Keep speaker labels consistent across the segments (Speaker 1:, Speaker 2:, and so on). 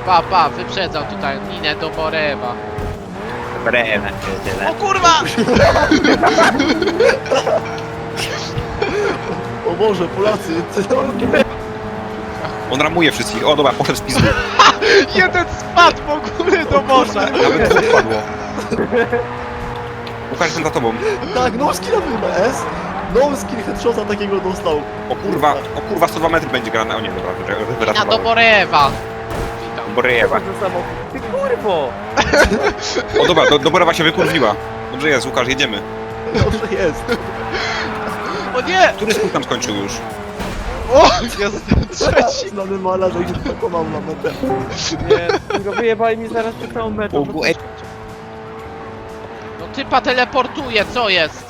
Speaker 1: Pa, wyprzedzał tutaj Ninę do Borewa.
Speaker 2: Brema,
Speaker 1: O kurwa!
Speaker 3: O Boże, Polacy,
Speaker 2: On ramuje wszystkich. O dobra, poszedł z pizdu.
Speaker 1: Jeden spadł w ogóle do morza.
Speaker 2: Nawet dwóch padło. Łukasz, jestem za tobą.
Speaker 3: tak, no skill chyba S. No skill headshota takiego dostał.
Speaker 2: O kurwa, 102 metry będzie grane. O nie, dobra,
Speaker 1: Nina do
Speaker 2: wyratowało.
Speaker 1: Borewa. Witam.
Speaker 2: Borewa.
Speaker 4: Ty kurwo!
Speaker 2: O dobra, do Borewa się wykurwiła. Dobrze jest, Łukasz, jedziemy.
Speaker 3: Dobrze jest.
Speaker 1: O nie!
Speaker 2: Który skrót tam skończył już?
Speaker 1: O! Jestem trzeci.
Speaker 3: Znany malarz, jak się pokonał na metę.
Speaker 4: Nie, go wyjebali mi zaraz przed całą metą.
Speaker 1: No typa teleportuje, co jest?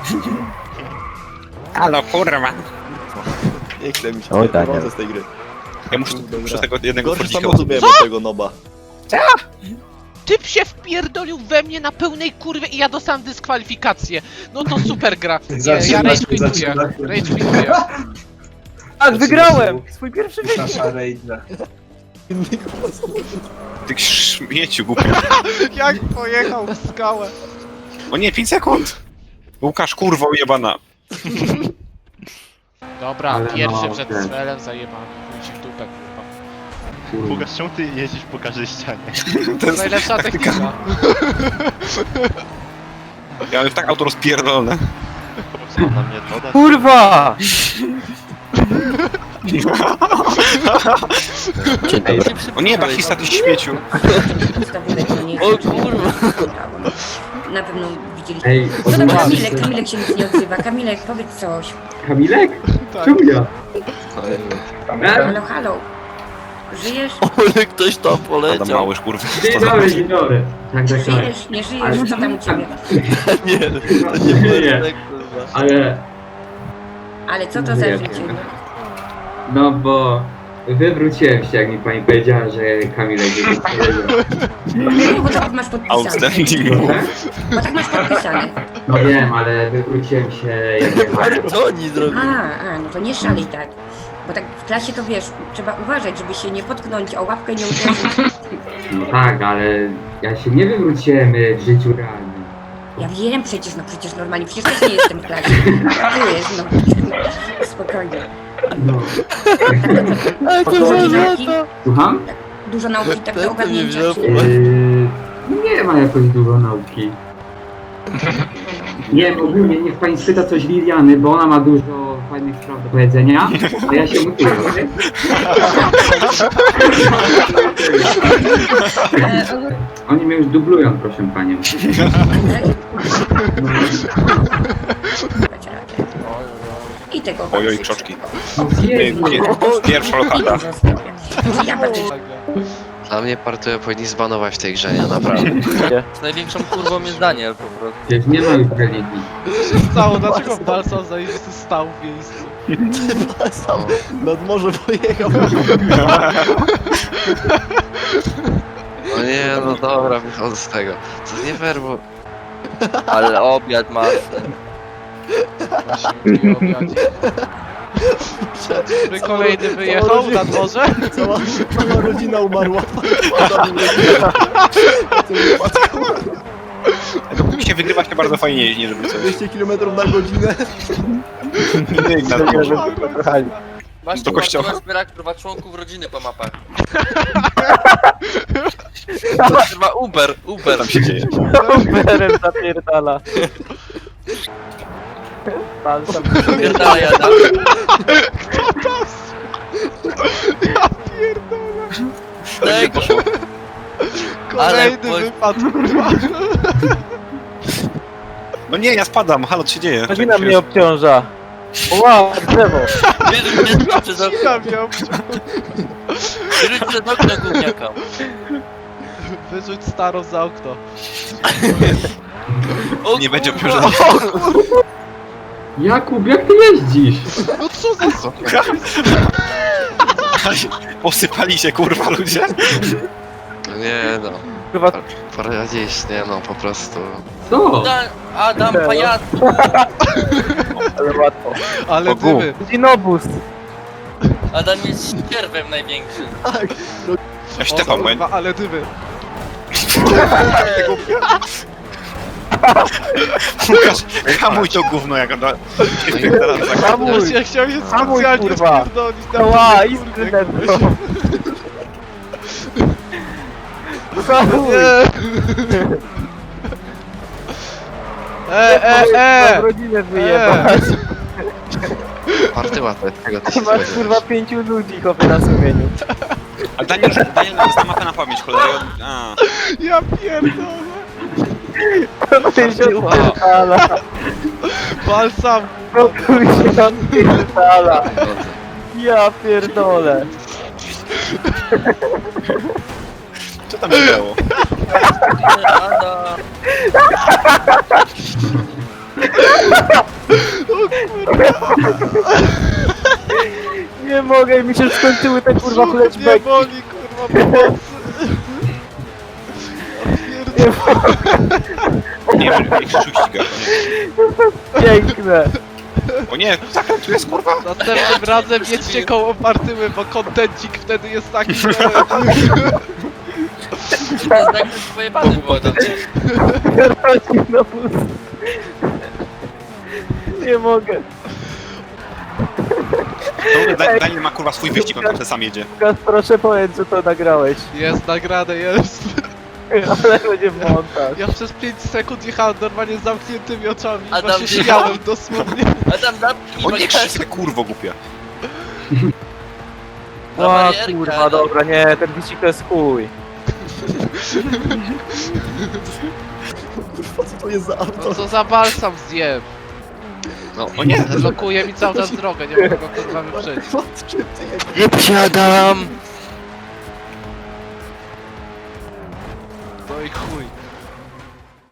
Speaker 2: Halo, kurwa.
Speaker 3: Nie chce mi się,
Speaker 5: Oj,
Speaker 3: nie
Speaker 5: tak,
Speaker 3: wychodzę
Speaker 5: nie.
Speaker 3: z tej gry.
Speaker 2: Ja muszę przez tego jednego
Speaker 3: Gorszy
Speaker 2: fordzika
Speaker 3: samochód miałem od tego noba.
Speaker 1: Typ się wpierdolił we mnie na pełnej kurwie i ja dostałem dyskwalifikację. No to super gra. Nie, ja rage quituję. Rage quituję.
Speaker 4: Tak, wygrałem! Swój pierwszy wyścig!
Speaker 2: Ty śmieciu, głupi.
Speaker 1: Jak pojechał w skałę.
Speaker 2: O nie, 5 sekund. Łukasz, kurwa ujebana.
Speaker 1: Dobra,
Speaker 5: Ale
Speaker 1: pierwszy
Speaker 5: no,
Speaker 1: przed
Speaker 5: okej.
Speaker 1: strzelem zajebany. Chuj ci w dupę, kurwa.
Speaker 6: Łukasz, czemu ty jeździsz po każdej ścianie?
Speaker 2: To jest
Speaker 1: Najlepsza technika.
Speaker 2: Ja mam tak auto rozpierdolone.
Speaker 6: Co, na mnie woda?
Speaker 4: Kurwa!
Speaker 5: Dzień dobry.
Speaker 2: O nie, Bachista, ty śmieciu.
Speaker 4: O kurwa!
Speaker 7: Na pewno widzieliście.
Speaker 5: Ej,
Speaker 7: No dobra,
Speaker 5: odmawiam.
Speaker 7: Kamilek się nic nie odzywa. Kamilek, powiedz coś.
Speaker 5: Kamilek?
Speaker 1: Tak.
Speaker 5: Czemu ja?
Speaker 7: Halo, halo. Żyjesz?
Speaker 3: Ale ktoś tam
Speaker 2: Adam
Speaker 3: poleciał.
Speaker 2: Małysz, kurwa.
Speaker 5: Dzień dobry, dzień dobry. Tak, tak, tak.
Speaker 7: Żyjesz, nie żyjesz? Co tam u ciebie?
Speaker 3: Nie,
Speaker 5: Nie, ale
Speaker 7: Ale co to za
Speaker 5: Żyję.
Speaker 7: życie?
Speaker 5: no bo wywróciłem się, jak mi pani powiedziała, że Kamilek jest powiedział.
Speaker 7: No, bo tak masz podpisane.
Speaker 2: Outstanding.
Speaker 5: Proszę?
Speaker 7: Bo tak masz podpisane.
Speaker 5: No wiem, ale wywróciłem się jak jechałem.
Speaker 3: Co oni zrobili?
Speaker 7: No to nie szalej tak. Bo tak w klasie to wiesz, trzeba uważać, żeby się nie potknąć, o łapkę nie uderzyć.
Speaker 5: No tak, ale ja się nie wywróciłem w życiu realnym.
Speaker 7: Ja wiem przecież normalnie, przecież też nie jestem w klasie. Wiesz, no. Spokojnie.
Speaker 5: No.
Speaker 7: Dużo nauki?
Speaker 5: Słucham?
Speaker 7: Dużo nauki tak do
Speaker 3: Nie
Speaker 7: ogarnięcia.
Speaker 3: wziąłem.
Speaker 5: Nie ma jakoś dużo nauki. Nie, ogólnie niech pani spyta coś Liliany, bo ona ma dużo fajnych spraw do powiedzenia, a ja się mutuję. Oni mnie już dublują, proszę panią.
Speaker 7: I tego
Speaker 2: Ojoj,
Speaker 7: życzę.
Speaker 2: krzoczki.
Speaker 5: Jezu.
Speaker 2: Pierwsza lokata.
Speaker 7: Ja bardzo
Speaker 8: Dla mnie partię powinni zbanować w tej grze, nie? Naprawdę.
Speaker 4: Z największą kurwą jest Daniel po prostu.
Speaker 5: Przecież nie ma już religii.
Speaker 1: Co się stało? Dlaczego Balsam zajebisty stał w miejscu?
Speaker 3: Sam nad morze pojechał.
Speaker 8: No nie, no dobra, wychodzę z tego. To nie fair, bo...
Speaker 4: Ale obiad masz.
Speaker 1: Właśnie obiadzik. By kolejny wyjechał na dworze?
Speaker 3: Cała rodzina umarła.
Speaker 2: Mi się wygrywa się bardzo fajnie jeździ, żeby coś.
Speaker 3: 200 km na godzinę.
Speaker 4: Masz
Speaker 2: Do kościoła.
Speaker 4: zbierak kurwa członków rodziny po mapach. To chyba Uber.
Speaker 2: Co tam się dzieje?
Speaker 4: Uberem zapierdala. Zapierdala jada.
Speaker 1: Tak, kolejny
Speaker 4: Ale-
Speaker 1: wypadł, kurwa.
Speaker 2: No nie, ja spadam, halo, co się dzieje?
Speaker 4: Godzina mnie obciąża. Wow, drzewo. Wyrzuć przez okno.
Speaker 1: Ja miał
Speaker 4: Wyrzuć przez okno gówniaka.
Speaker 1: wyrzuć starą za okno.
Speaker 2: Nie będzie obciążenia.
Speaker 5: Jakub, jak ty jeździsz?
Speaker 1: No co za
Speaker 2: Posypali się, kurwa, ludzie.
Speaker 8: No nie no.
Speaker 4: Kurwa,
Speaker 8: Poradzisz, nie no, po prostu.
Speaker 5: Co?
Speaker 4: Adam, pajacu. Ale łatwo.
Speaker 1: Ale
Speaker 2: Bogu.
Speaker 1: dymy.
Speaker 4: Dzinobus. Adam jest ścierwem największym.
Speaker 3: Tak, no,
Speaker 2: Ja Szczepan, bo ja...
Speaker 1: Kurwa, ale dymy.
Speaker 2: Łukasz, hamuj to gówno, jak on da...
Speaker 3: hamuj,
Speaker 1: Ja chciałem się
Speaker 3: hamuj,
Speaker 1: specjalnie
Speaker 3: kurwa.
Speaker 1: spierdolić na
Speaker 3: Ła,
Speaker 1: kurde.
Speaker 3: iskry nerwo. Hamuj.
Speaker 1: Nie.
Speaker 3: rodzinę wyjebać.
Speaker 8: Party łatwe, tego ty się
Speaker 3: Masz kurwa
Speaker 8: spodziewasz.
Speaker 3: 5 ludzi chłopie na sumieniu.
Speaker 2: A Daniel zna mapę na pamięć, cholera. A.
Speaker 1: Ja pierdolę.
Speaker 3: To ty się odpierdala.
Speaker 1: Balsam.
Speaker 3: To tu się odpierdala. Ja pierdolę.
Speaker 2: Co tam się działo?
Speaker 4: Adam.
Speaker 3: Nie mogę, mi się skończyły te kurwa
Speaker 1: Brzuch mnie
Speaker 3: flashbacki.
Speaker 1: boli, kurwa, pomocy.
Speaker 3: Nie mogę.
Speaker 2: Nie wiem, jak Krzysiu ściga.
Speaker 3: Piękne.
Speaker 2: O nie, zakręt tu jest, kurwa.
Speaker 1: Następnym razem jedźcie koło partyły, bo kontencik wtedy jest taki, że...
Speaker 4: To jest tak, że pojebany było Adam.
Speaker 3: Rodzi na pust. Nie mogę.
Speaker 2: Daniel ma, kurwa, swój wyścig, on tam sam jedzie.
Speaker 3: Łukasz, proszę powiedz, że to nagrałeś.
Speaker 1: Jest nagrane, jest.
Speaker 3: Ale będzie montaż.
Speaker 1: Ja przez 5 sekund jechałem normalnie z zamkniętymi oczami i
Speaker 4: Adam,
Speaker 1: właśnie
Speaker 4: ty-
Speaker 1: śmiałem dosłownie.
Speaker 4: Adam, zapnij
Speaker 2: O nie,
Speaker 4: bagaż.
Speaker 2: Krzysiu, kurwo głupia.
Speaker 4: Na
Speaker 3: O
Speaker 4: barierkę,
Speaker 3: kurwa,
Speaker 4: Adam.
Speaker 3: dobra, nie, ten wyścig to jest chuj. Kurwa, co to jest za auto?
Speaker 1: No co za balsam zjem.
Speaker 8: No,
Speaker 2: O nie,
Speaker 1: Blokuje mi cały czas drogę, nie mogę go kurwa wyprzedzić.
Speaker 3: Czym ty jedziesz?
Speaker 8: nie Adam!
Speaker 1: No i chuj.